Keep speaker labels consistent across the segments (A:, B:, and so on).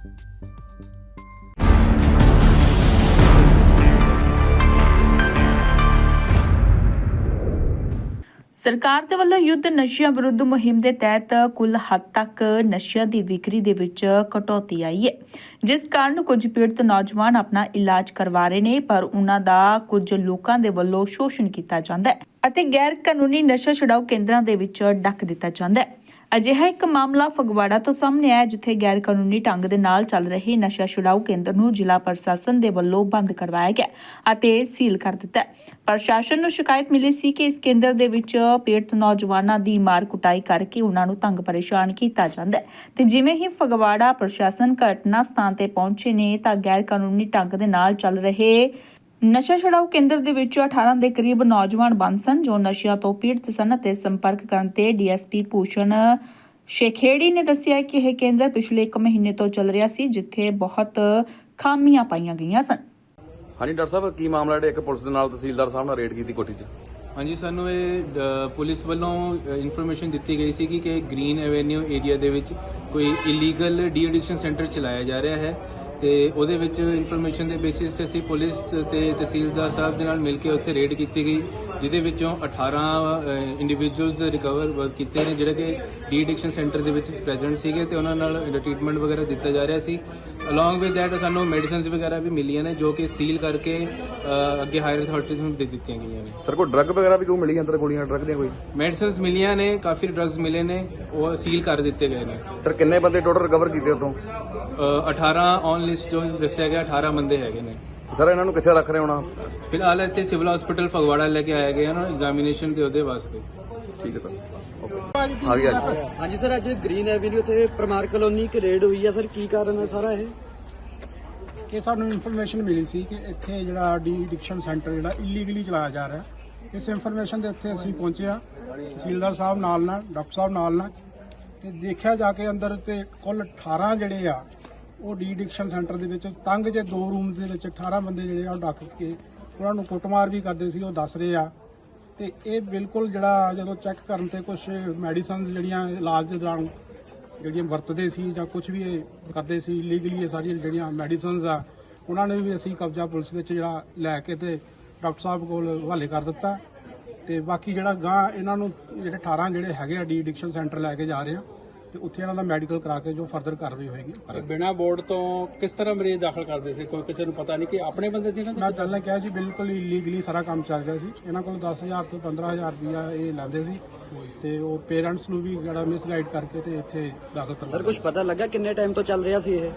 A: ਸਰਕਾਰ ਦੇ ਵੱਲੋਂ ਯੁੱਧ ਨਸ਼ਿਆਂ ਵਿਰੁੱਧ ਮੁਹਿੰਮ ਦੇ ਤਹਿਤ ਕੁੱਲ ਹੱਦ ਤੱਕ ਨਸ਼ਿਆਂ ਦੀ ਵਿਕਰੀ ਦੇ ਵਿੱਚ ਕਟੌਤੀ ਆਈ ਹੈ, ਜਿਸ ਕਾਰਨ ਕੁਝ ਪੀੜਤ ਨੌਜਵਾਨ ਆਪਣਾ ਇਲਾਜ ਕਰਵਾ ਰਹੇ ਨੇ, ਪਰ ਉਹਨਾਂ ਦਾ ਕੁਝ ਲੋਕਾਂ ਦੇ ਵੱਲੋਂ ਸ਼ੋਸ਼ਣ ਕੀਤਾ ਜਾਂਦਾ ਹੈ ਅਤੇ ਗੈਰ ਕਾਨੂੰਨੀ ਨਸ਼ਾ ਛੁਡਾਊ ਕੇਂਦਰਾਂ ਦੇ ਵਿੱਚ ਡੱਕ ਦਿੱਤਾ ਜਾਂਦਾ ਹੈ। ਅਜਿਹਾ ਇੱਕ ਮਾਮਲਾ ਫਗਵਾੜਾ ਤੋਂ ਸਾਹਮਣੇ ਆਇਆ, ਜਿੱਥੇ ਗੈਰ ਕਾਨੂੰਨੀ ਢੰਗ ਦੇ ਨਾਲ ਚੱਲ ਰਹੇ ਨਸ਼ਾ ਛੁਡਾਊ ਕੇਂਦਰ ਨੂੰ ਜ਼ਿਲ੍ਹਾ ਪ੍ਰਸ਼ਾਸਨ ਦੇ ਵੱਲੋਂ ਬੰਦ ਕਰਵਾਇਆ ਗਿਆ ਅਤੇ ਸੀਲ ਕਰ ਦਿੱਤਾ ਹੈ। ਪ੍ਰਸ਼ਾਸਨ ਨੂੰ ਸ਼ਿਕਾਇਤ ਮਿਲੀ ਸੀ ਕਿ ਇਸ ਕੇਂਦਰ ਦੇ ਵਿੱਚ ਪੀੜਤ ਨੌਜਵਾਨਾਂ ਦੀ ਮਾਰ ਕੁਟਾਈ ਕਰਕੇ ਉਹਨਾਂ ਨੂੰ ਤੰਗ ਪਰੇਸ਼ਾਨ ਕੀਤਾ ਜਾਂਦਾ ਹੈ ਤੇ ਜਿਵੇਂ ਹੀ ਫਗਵਾੜਾ ਪ੍ਰਸ਼ਾਸਨ ਘਟਨਾ ਸਥਾਨ ਤੇ ਪਹੁੰਚੇ ਨੇ ਤਾਂ ਗੈਰ ਕਾਨੂੰਨੀ ਢੰਗ ਦੇ ਨਾਲ ਚੱਲ ਰਹੇ ਨਸ਼ਾ ਛੁਡਾਊ ਕੇਂਦਰ ਦੇ ਵਿੱਚ 18 ਦੇ ਕਰੀਬ ਨੌਜਵਾਨ ਬੰਦ ਸਨ, ਜੋ ਨਸ਼ਿਆਂ ਤੋਂ ਪੀੜਤ ਸਨ ਅਤੇ ਸੰਪਰਕ ਕਰਨ ਤੇ ਡੀਐਸਪੀ ਭੂਸ਼ਣ ਸ਼ੇਖੇੜੀ ਨੇ ਦੱਸਿਆ ਕਿ ਇਹ ਕੇਂਦਰ ਪਿਛਲੇ 1 ਮਹੀਨੇ ਤੋਂ ਚੱਲ ਰਿਹਾ ਸੀ, ਜਿੱਥੇ ਬਹੁਤ ਖਾਮੀਆਂ ਪਾਈਆਂ ਗਈਆਂ ਸਨ।
B: ਹਾਂਜੀ ਡਾਕਟਰ ਸਾਹਿਬ, ਕੀ ਮਾਮਲਾ ਜਿਹੜਾ ਇੱਕ ਪੁਲਿਸ ਦੇ ਨਾਲ ਤਹਿਸੀਲਦਾਰ ਸਾਹਿਬ ਨਾਲ ਰੇਡ ਕੀਤੀ ਕੋਠੀ 'ਚ?
C: ਹਾਂਜੀ, ਸਾਨੂੰ ਇਹ ਪੁਲਿਸ ਵੱਲੋਂ ਇਨਫੋਰਮੇਸ਼ਨ ਦਿੱਤੀ ਗਈ ਸੀ ਕਿ ਗ੍ਰੀਨ ਐਵੇਨਿਊ ਏਰੀਆ ਦੇ ਵਿੱਚ ਕੋਈ ਇਲੀਗਲ ਡੀ ਐਡਿਕਸ਼ਨ ਸੈਂਟਰ ਚਲਾਇਆ ਜਾ ਰਿਹਾ ਹੈ ਤੇ ਉਹਦੇ ਵਿੱਚ ਇਨਫੋਰਮੇਸ਼ਨ ਦੇ ਬੇਸਿਸ ਤੇ ਅਸੀਂ ਪੁਲਿਸ ਤੇ ਤਹਿਸੀਲਦਾਰ ਸਾਹਿਬ ਦੇ ਨਾਲ ਮਿਲ ਕੇ ਉੱਥੇ ਰੇਡ ਕੀਤੀ ਗਈ, ਜਿਹਦੇ ਵਿੱਚੋਂ 18 ਇੰਡੀਵਿਜੂਅਲਸ ਰਿਕਵਰ ਕੀਤੇ ਨੇ ਜਿਹੜੇ ਕਿ ਡੀ ਐਡਿਕਸ਼ਨ ਸੈਂਟਰ ਦੇ ਵਿੱਚ ਪ੍ਰੈਜ਼ੈਂਟ ਸੀਗੇ ਤੇ ਉਹਨਾਂ ਨਾਲ ਟ੍ਰੀਟਮੈਂਟ ਵਗੈਰਾ ਦਿੱਤਾ ਜਾ ਰਿਹਾ ਸੀ। ਅਲੋਂਗ ਵਿਦ ਦੈਟ ਸਾਨੂੰ ਮੈਡੀਸਿਨਸ ਵਗੈਰਾ ਵੀ ਮਿਲੀਆਂ ਨੇ, ਜੋ ਕਿ ਸੀਲ ਕਰਕੇ ਅੱਗੇ ਹਾਇਰ ਅਥਾਰਟੀਜ਼ ਨੂੰ ਦੇ ਦਿੱਤੀਆਂ ਗਈਆਂ ਨੇ।
B: ਸਰ, ਕੋਈ ਡਰੱਗ ਵਗੈਰਾ ਵੀ ਕੋਈ ਮਿਲੀ ਅੰਦਰ? ਗੋਲੀਆਂ ਡਰੱਗ ਦੀਆਂ ਕੋਈ
C: ਮੈਡੀਸਿਨਸ ਮਿਲੀਆਂ ਨੇ, ਕਾਫੀ ਡਰੱਗਸ ਮਿਲੇ ਨੇ, ਉਹ ਸੀਲ ਕਰ ਦਿੱਤੇ ਗਏ ਨੇ।
B: ਸਰ, ਕਿੰਨੇ ਬੰਦੇ ਟੋਟਲ ਰਿਕਵਰ ਕੀਤੇ ਉਤੋਂ?
C: 18 ਔਨ ਲਿਸਟ ਜੋ ਦੱਸਿਆ ਗਿਆ 18 ਬੰਦੇ ਹੈਗੇ ਨੇ।
B: ਸਰ, ਇਹਨਾਂ ਨੂੰ ਕਿੱਥੇ ਰੱਖ ਰਹੇ ਹੋਣਾ?
C: ਫਿਲਹਾਲ ਇੱਥੇ ਸਿਵਲ ਹਸਪੀਟਲ ਫਗਵਾੜਾ ਲੈ ਕੇ ਆਏ ਗਏ ਹਨ ਐਗਜ਼ਾਮੀਨੇਸ਼ਨ ਦੇ ਉਹਦੇ ਵਾਸਤੇ।
B: ਠੀਕ ਹੈ ਸਰ, ਓਕੇ। ਆ ਗਿਆ ਜੀ।
D: ਹਾਂਜੀ ਸਰ, ਅੱਜ ਗ੍ਰੀਨ ਐਵੇਨਿਊ ਤੇ ਪਰਮਾਰ ਕਲੋਨੀ ਇੱਕ ਰੇਡ ਹੋਈ ਹੈ ਸਰ, ਕੀ ਕਾਰਨ ਹੈ ਸਾਰਾ ਇਹ?
E: ਕਿ ਸਾਨੂੰ ਇਨਫੋਰਮੇਸ਼ਨ ਮਿਲੀ ਸੀ ਕਿ ਇੱਥੇ ਜਿਹੜਾ ਡੀ ਐਡਿਕਸ਼ਨ ਸੈਂਟਰ ਜਿਹੜਾ ਇਲੀਗਲੀ ਚਲਾਇਆ ਜਾ ਰਿਹਾ, ਇਸ ਇਨਫੋਰਮੇਸ਼ਨ ਦੇ ਉੱਤੇ ਅਸੀਂ ਪਹੁੰਚੇ ਆ, ਤਹਿਸੀਲਦਾਰ ਸਾਹਿਬ ਨਾਲ ਡਾਕਟਰ ਸਾਹਿਬ ਨਾਲ ਤੇ ਦੇਖਿਆ ਜਾ ਕੇ ਅੰਦਰ ਤੇ ਕੁੱਲ 18 ਜਿਹੜੇ ਆ ਉਹ ਡੀ ਐਡਿਕਸ਼ਨ ਸੈਂਟਰ ਦੇ ਵਿੱਚ ਤੰਗ ਜੇ 2 ਰੂਮਸ ਦੇ ਵਿੱਚ 18 ਬੰਦੇ ਜਿਹੜੇ ਆ ਉਹ ਡੱਕ ਕੇ ਉਹਨਾਂ ਨੂੰ ਕੁੱਟਮਾਰ ਵੀ ਕਰਦੇ ਸੀ, ਉਹ ਦੱਸ ਰਹੇ ਆ। ਤੇ ਇਹ ਬਿਲਕੁਲ ਜਿਹੜਾ ਜਦੋਂ ਚੈੱਕ ਕਰਨ ਤੇ ਕੁਝ ਮੈਡੀਸਨਸ ਜਿਹੜੀਆਂ ਇਲਾਜ ਦੇ ਦੌਰਾਨ ਜਿਹੜੀਆਂ ਵਰਤਦੇ ਸੀ ਜਾਂ ਕੁਝ ਵੀ ਇਹ ਕਰਦੇ ਸੀ ਲੀਗਲੀ, ਇਹ ਸਾਰੀਆਂ ਜਿਹੜੀਆਂ ਮੈਡੀਸਨਸ ਆ ਉਹਨਾਂ ਨੇ ਵੀ ਅਸੀਂ ਕਬਜ਼ਾ ਪੁਲਿਸ ਵਿੱਚ ਜਿਹੜਾ ਲੈ ਕੇ ਤੇ ਡਾਕਟਰ ਸਾਹਿਬ ਕੋਲ ਹਵਾਲੇ ਕਰ ਦਿੱਤਾ। ਤੇ ਬਾਕੀ ਜਿਹੜਾ ਗਾਂ ਇਹਨਾਂ ਨੂੰ ਜਿਹੜੇ 18 ਜਿਹੜੇ ਹੈਗੇ ਆ ਡੀ ਐਡਿਕਸ਼ਨ ਸੈਂਟਰ ਲੈ ਕੇ ਜਾ ਰਹੇ ਆ ਤੇ ਉੱਥੇ ਇਹਨਾਂ ਦਾ ਮੈਡੀਕਲ ਕਰਾ ਕੇ ਜੋ ਫਰਦਰ ਕਾਰਵਾਈ ਹੋਏਗੀ।
D: ਬਿਨਾਂ ਬੋਰਡ ਤੋਂ ਕਿਸ ਤਰ੍ਹਾਂ ਮਰੀਜ਼ ਦਾਖਲ ਕਰਦੇ ਸੀ? ਕੋਈ ਕਿਸੇ ਨੂੰ ਪਤਾ ਨਹੀਂ ਕਿ ਆਪਣੇ ਬੰਦੇ ਸੀ?
E: ਮੈਂ ਪਹਿਲਾਂ ਕਿਹਾ ਜੀ, ਬਿਲਕੁਲ ਇਲੀਗਲੀ ਸਾਰਾ ਕੰਮ ਚੱਲ ਰਿਹਾ ਸੀ। ਇਹਨਾਂ ਕੋਲ 10,000 ਤੋਂ 15,000 ਰੁਪਇਆ ਇਹ ਲੈਂਦੇ ਸੀ ਤੇ ਉਹ ਪੇਰੈਂਟਸ ਨੂੰ ਵੀ ਜਿਹੜਾ ਮਿਸਗਾਈਡ ਕਰਕੇ ਤੇ ਇੱਥੇ ਦਾਖਲ ਕਰਵਾ।
D: ਸਰ, ਕੁਝ ਪਤਾ ਲੱਗਾ ਕਿੰਨੇ ਟਾਈਮ ਤੋਂ ਚੱਲ ਰਿਹਾ ਸੀ ਇਹ?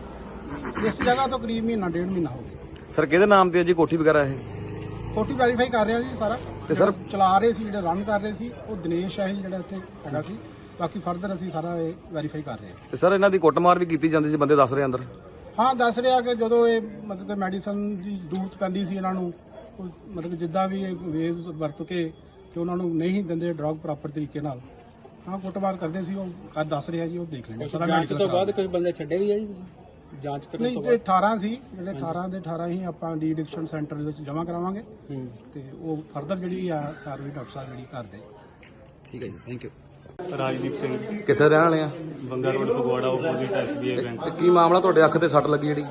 E: ਇਸ ਜਗ੍ਹਾ ਤੋਂ ਕਰੀਬ ਮਹੀਨਾ 1.5 ਮਹੀਨਾ ਹੋ ਗਿਆ।
B: ਸਰ, ਕਿਹਦੇ ਨਾਮ ਤੇ ਹੈ ਜੀ ਕੋਠੀ ਵਗੈਰਾ ਇਹ?
E: ਕੋਠੀ ਵੈਰੀਫਾਈ ਕਰ ਰਿਹਾ ਜੀ ਸਾਰਾ।
B: ਤੇ ਸਰ
E: ਚਲਾ ਰਹੇ ਸੀ, ਜਿਹੜੇ ਰਨ ਕਰ ਰਹੇ ਸੀ ਉਹ ਦਿਨੇਸ਼ ਹੈ ਜਿਹੜਾ ਇੱਥੇ ਹੈਗਾ ਸੀ। ਬਾਕੀ ਫਰਦਰ ਅਸੀਂ ਸਾਰਾ ਇਹ ਵੈਰੀਫਾਈ ਕਰ ਰਹੇ ਹਾਂ।
B: ਤੇ ਸਰ, ਇਹਨਾਂ ਦੀ ਕੁੱਟਮਾਰ ਵੀ ਕੀਤੀ ਜਾਂਦੀ ਸੀ, ਬੰਦੇ ਦੱਸ ਰਹੇ ਅੰਦਰ?
E: ਹਾਂ, ਦੱਸ ਰਿਹਾ ਕਿ ਜਦੋਂ ਇਹ ਮਤਲਬ ਕਿ ਮੈਡੀਸਨ ਦੀ ਜ਼ਰੂਰਤ ਪੈਂਦੀ ਸੀ ਇਹਨਾਂ ਨੂੰ, ਮਤਲਬ ਜਿੱਦਾਂ ਵੀ ਇਹ ਵੇਜ਼ ਵਰਤ ਕੇ ਕਿ ਉਹਨਾਂ ਨੂੰ ਨਹੀਂ ਦਿੰਦੇ ਡਰਗ ਪ੍ਰੋਪਰ ਤਰੀਕੇ ਨਾਲ, ਹਾਂ ਕੁੱਟਮਾਰ ਕਰਦੇ ਸੀ। ਉਹ ਦੱਸ ਰਿਹਾ ਜੀ, ਉਹ ਦੇਖ ਲੈਣੇ ਸਾਰਾ।
D: ਜਾਂਚ ਤੋਂ ਬਾਅਦ ਕੁਝ ਬੰਦੇ ਛੱਡੇ ਵੀ ਆ ਜੀ ਤੁਸੀਂ? ਜਾਂਚ ਕਰਨ
E: ਨਹੀਂ,
D: ਤੋਂ
E: ਜੇ 18 ਸੀ, ਜਿਹੜੇ 18 ਦੇ 18 ਹੀ ਆਪਾਂ ਡੀ ਐਡਿਕਸ਼ਨ ਸੈਂਟਰ ਦੇ ਵਿੱਚ ਜਮ੍ਹਾਂ ਕਰਾਵਾਂਗੇ ਤੇ ਉਹ ਫਰਦਰ ਜਿਹੜੀ ਆ ਕਾਰਵਾਈ ਡਾਕਟਰ ਸਾਹਿਬ ਜਿਹੜੀ ਕਰਦੇ।
B: ਠੀਕ ਹੈ ਜੀ, ਥੈਂਕ ਯੂ।
F: ਰਾਜਦੀਪ ਸਿੰਘ,
B: ਕਿੱਥੇ ਰਹਿਣ ਵਾਲੇ ਆ?
F: Banga road Phagwara, opposite SBI bank.
B: ਕੀ ਮਾਮਲਾ, ਤੁਹਾਡੇ ਅੱਖ ਤੇ ਸੱਟ ਲੱਗੀ ਜਿਹੜੀ?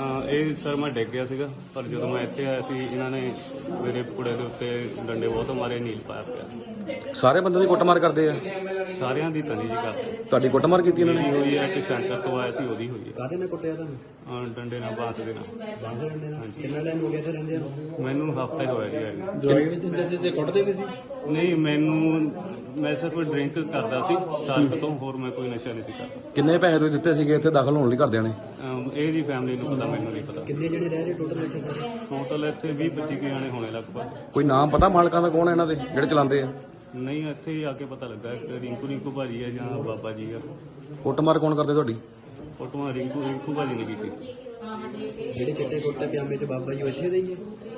F: ਇਹ ਸਰ ਮੈਂ ਡਿੱਗ ਗਿਆ ਸੀਗਾ, ਪਰ ਜਦੋਂ ਮੈਂ ਇੱਥੇ ਆਇਆ ਸੀ ਇਹਨਾਂ ਨੇ ਮੇਰੇ ਕੁੜੇ ਦੇ ਉੱਤੇ ਡੰਡੇ ਬਹੁਤ ਮਾਰੇ, ਨੀਲ ਪਾਇਆ ਪਿਆ।
B: ਸਾਰੇ ਬੰਦੇ ਦੀ ਕੁੱਟਮਾਰ ਕਰਦੇ ਆ?
F: ਸਾਰਿਆਂ ਦੀ ਤਨੀ ਜੀ ਕਰਦੇ।
B: ਤੁਹਾਡੀ ਕੁੱਟਮਾਰ ਕੀਤੀ ਇਹਨਾਂ ਨੇ?
F: ਹੋਈ ਹੈ ਕਿ ਸੈਂਟਰ ਤੋਂ ਆਇਆ ਸੀ, ਉਹਦੀ ਹੋਈ ਹੈ।
D: ਕਾਹਦੇ ਨਾਲ ਕੁੱਟਿਆ ਤੁਹਾਨੂੰ?
F: ਡੰਡੇ ਨਾਲ, ਬਾਂਸ ਦੇ ਨਾਲ।
D: ਬਾਂਸ ਡੰਡੇ ਨਾਲ? ਕਿੰਨਾ ਟਾਈਮ ਹੋ ਗਿਆ ਇੱਥੇ ਰਹਿੰਦੇ ਆ?
F: ਮੈਨੂੰ ਹਫ਼ਤਾ ਹੀ ਹੋਇਆ ਜੀ ਆਏ ਨੂੰ।
D: ਦਵਾਈ ਵੀ ਦਿੰਦੇ ਸੀ ਤੇ ਕੁੱਟਦੇ ਵੀ ਸੀ?
F: ਨਹੀਂ, ਮੈਂ ਸਿਰਫ ਡਰਿੰਕ ਕਰਦਾ ਸੀ ਸਾਲ ਤੋਂ, ਹੋਰ ਮੈਂ ਕੋਈ ਨਸ਼ਾ ਨਹੀਂ ਸੀ ਕਰਦਾ।
B: ਕਿੰਨੇ ਪੈਸੇ ਤੁਸੀਂ ਦਿੱਤੇ ਸੀਗੇ ਇੱਥੇ ਦਾਖਲ ਹੋਣ ਲਈ ਘਰਦਿਆਂ ਨੇ?
F: ਇਹਦੀ ਫੈਮਿਲੀ ਨੂੰ ਪਤਾ, ਮੈਨੂੰ ਨਹੀਂ ਪਤਾ।
D: ਕਿੰਨੇ ਜਿਹੜੇ ਰਹਿ ਰਹੇ ਟੋਟਲ ਇੱਥੇ ਸਾਰੇ?
F: ਟੋਟਲ ਇੱਥੇ 20-25 ਜਾਣੇ ਹੋਣੇ ਲਗਭਗ।
B: ਕੋਈ ਨਾਮ ਪਤਾ ਮਾਲਕਾਂ ਦਾ ਕੌਣ ਹੈ ਇਹਨਾਂ ਦੇ ਜਿਹੜੇ ਚਲਾਉਂਦੇ ਆ?
F: ਨਹੀਂ, ਇੱਥੇ ਹੀ ਆ ਕੇ ਪਤਾ ਲੱਗਾ ਕਿ ਰਿੰਕੂ ਭਾਜੀ ਹੈ ਜਾਂ ਬਾਬਾ ਜੀ ਆ।
B: ਕੁੱਟਮਾਰ ਕੌਣ ਕਰਦੇ ਤੁਹਾਡੀ?
F: ਫੋਟੋਆਂ ਰਿੰਕੂ ਭਾਜੀ ਨੇ ਕੀਤੀ ਸੀ।
D: ਜਿਹੜੇ ਚਿੱਟੇ ਕੁੱਟੇ ਪਜਾਮੇ ਚ ਬਾਬਾ ਜੀ ਇੱਥੇ ਦੇ ਹੀ ਹੈ?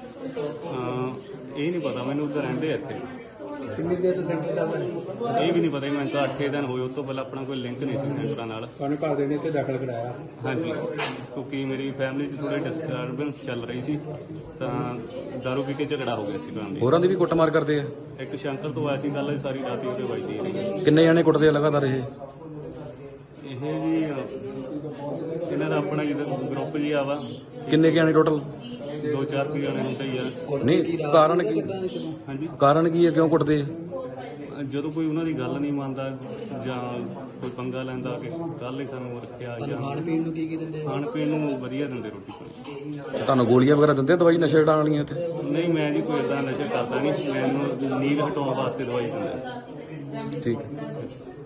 F: ਇਹ ਨਹੀਂ ਪਤਾ ਮੈਨੂੰ, ਉੱਧਰ ਰਹਿੰਦੇ ਆ ਇੱਥੇ।
D: ਕਿੰਨੀ ਦੇਰ ਤੋਂ ਸੈਂਟਰ ਚੱਲਦਾ ਹੈ?
F: ਇਹ ਵੀ ਨਹੀਂ ਪਤਾ, ਮੈਨੂੰ ਤਾਂ 8 ਦਿਨ ਹੋਏ। ਉਸ ਤੋਂ ਪਹਿਲਾਂ ਆਪਣਾ ਕੋਈ ਲਿੰਕ ਨਹੀਂ ਸੀ ਸੈਂਟਰਾਂ ਨਾਲ।
D: ਤੁਹਾਨੂੰ ਘਰ ਦੇ ਨੇ ਇੱਥੇ ਦਾਖਲ ਕਰਾਇਆ?
F: ਹਾਂਜੀ, ਕਿਉਂਕਿ ਮੇਰੀ ਫੈਮਿਲੀ 'ਚ ਥੋੜੀ ਡਿਸਟਰਬੈਂਸ ਚੱਲ ਰਹੀ ਸੀ, ਤਾਂ ਦਾਰੂ ਪੀ ਕੇ ਝਗੜਾ ਹੋ ਗਿਆ ਸੀ ਫੈਮਿਲੀ।
B: ਹੋਰਾਂ ਦੀ ਵੀ ਕੁੱਟਮਾਰ ਕਰਦੇ ਆ?
F: ਇੱਕ ਸ਼ੰਕਰ ਤੋਂ ਆਇਆ ਸੀ, ਕੱਲ੍ਹ ਸਾਰੀ ਰਾਤ ਹੀ ਉਹਦੇ ਵੱਜਦੀ ਰਹੀ।
B: ਕਿੰਨੇ ਜਾਣੇ ਕੁੱਟਦੇ ਆ ਲਗਾਤਾਰ ਇਹ?
F: ਇਹ ਜੀ ਇਹਨਾਂ ਦਾ ਆਪਣਾ ਜਿਹਦਾ ਗਰੁੱਪ ਜੀ ਆ ਵਾ
B: ਕਿੰਨੇ ਕੁ ਆਣੇ ਟੋਟਲ?
F: 2-4 ਕੁ ਜਣੇ ਹੁੰਦੇ ਹੀ ਆ।
B: ਨਹੀਂ ਕਾਰਨ ਕੀ?
F: ਹਾਂਜੀ,
B: ਕਾਰਨ ਕੀ ਹੈ, ਕਿਉਂ ਕੁੱਟਦੇ ਆ?
F: ਜਦੋਂ ਕੋਈ ਉਹਨਾਂ ਦੀ ਗੱਲ ਨਹੀਂ ਮੰਨਦਾ ਜਾਂ ਕੋਈ ਪੰਗਾ ਲੈਂਦਾ ਕਿ ਕੱਲ ਹੀ ਸਾਨੂੰ ਰੱਖਿਆ ਜਾਂ ਖਾਣ ਪੀਣ ਨੂੰ ਕੀ ਦਿੰਦੇ? ਖਾਣ ਪੀਣ ਨੂੰ ਵਧੀਆ ਦਿੰਦੇ ਰੋਟੀ ਪਾਣੀ।
B: ਤੁਹਾਨੂੰ ਗੋਲੀਆਂ ਵਗੈਰਾ ਦਿੰਦੇ ਆ ਦਵਾਈ ਨਸ਼ੇ ਹਟਾਉਣ ਵਾਲੀਆਂ ਇੱਥੇ?
F: ਨਹੀਂ, ਮੈਂ ਜੀ ਕੋਈ ਇਦਾਂ ਨਸ਼ਾ ਕਰਦਾ ਨਹੀਂ, ਮੈਨੂੰ ਨੀਂਦ ਹਟਾਉਣ ਵਾਸਤੇ ਦਵਾਈ ਦਿੰਦੇ।
B: ਠੀਕ ਹੈ।